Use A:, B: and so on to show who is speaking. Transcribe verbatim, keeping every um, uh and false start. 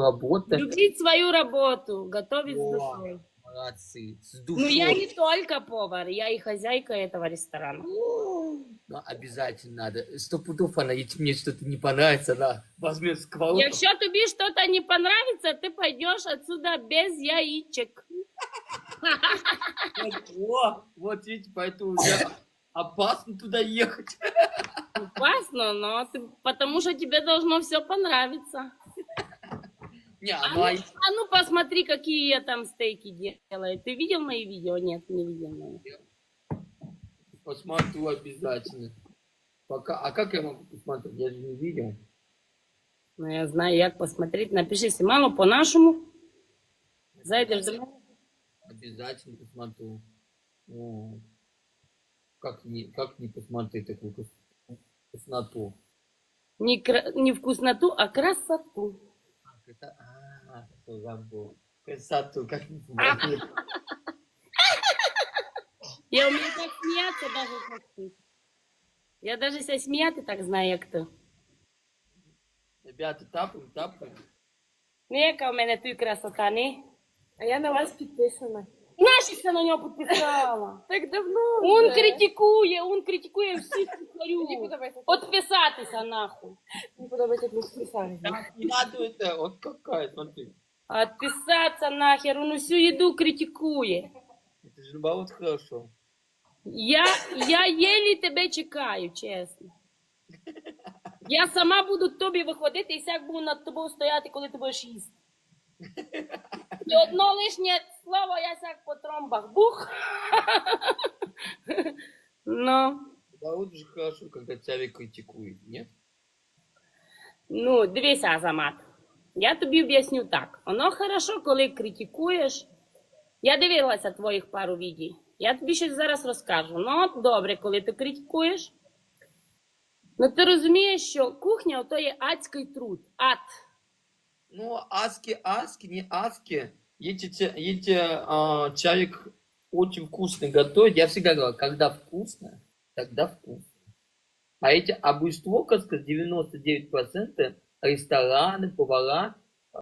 A: работать.
B: Любить свою работу, готовить с
A: О,
B: душой.
A: молодцы, с
B: Ну, я не
A: душой.
B: только повар, я и хозяйка этого ресторана.
A: Ну, обязательно надо. Сто пудов она, если мне что-то не понравится, она возьмет сковородку.
B: Якщо тобі что-то не понравится, ты пойдешь отсюда без яичек.
A: Вот, о, вот видите, поэтому уже опасно туда ехать.
B: Опасно, но ты, потому что тебе должно все понравиться.
A: Не,
B: А
A: ну,
B: ну,
A: а
B: а ну посмотри, какие я там стейки делаю. Ты видел мои видео? Нет, не видел мои.
A: посмотрю обязательно. Пока, а как я могу посмотреть? Я же не видел.
B: Ну, я знаю, як посмотреть. Напиши Симану по-нашему. Зайдешь до меня.
A: Обязательно посмотрю. Вот. Как не, как не посмотреть такую крас- красноту?
B: Не, кра- не вкусноту, а красоту.
A: А, это, а, что забыл. Красоту, как не посмотреть?
B: Я умею так смеяться даже как ты. Я даже себя сміяти так знаю, як ти.
A: Ребята, тапаем, тапаем.
B: Ну, яка в мене тут красота, не?
C: А я на вас підписана.
B: Нащо на нього підписала?
C: Так давно.
B: Он
C: вже.
B: критикує, он критикує всіх
C: Мені
B: кухарю.
C: подобається.
B: Підписатися нахуй.
C: Мені подобається, як ви підписали.
A: Так, не надо это, вот какая, смотри.
B: Отписаться нахер, он всю еду критикує.
A: Это же наоборот хорошо.
B: Я, я єлі тебе чекаю, чесно. Я сама буду тобі виходити і сяк буду над тобою стояти, коли ти будеш їсти. І одно лишнє слово, я сяк по тромбах. Бух! Ну,
A: Наоборот же хорошо, когда тебя критикует, нет?
B: ну, дивися, Азамат. Я тобі об'ясню так. Воно хорошо, коли критикуєш. Я дивилася твоїх пару відео. Я тобі щось зараз розкажу. Ну, от добре, коли ти критикуєш. Ну, ти розумієш, що кухня ото є адський труд. Ад.
A: Ну, аски, аски, не аски. Если, те- если а, человек очень вкусно готовит, я всегда говорю, когда вкусно, тогда вкусно. А эти обущество, как сказать, девяносто девять процентов рестораны, повара,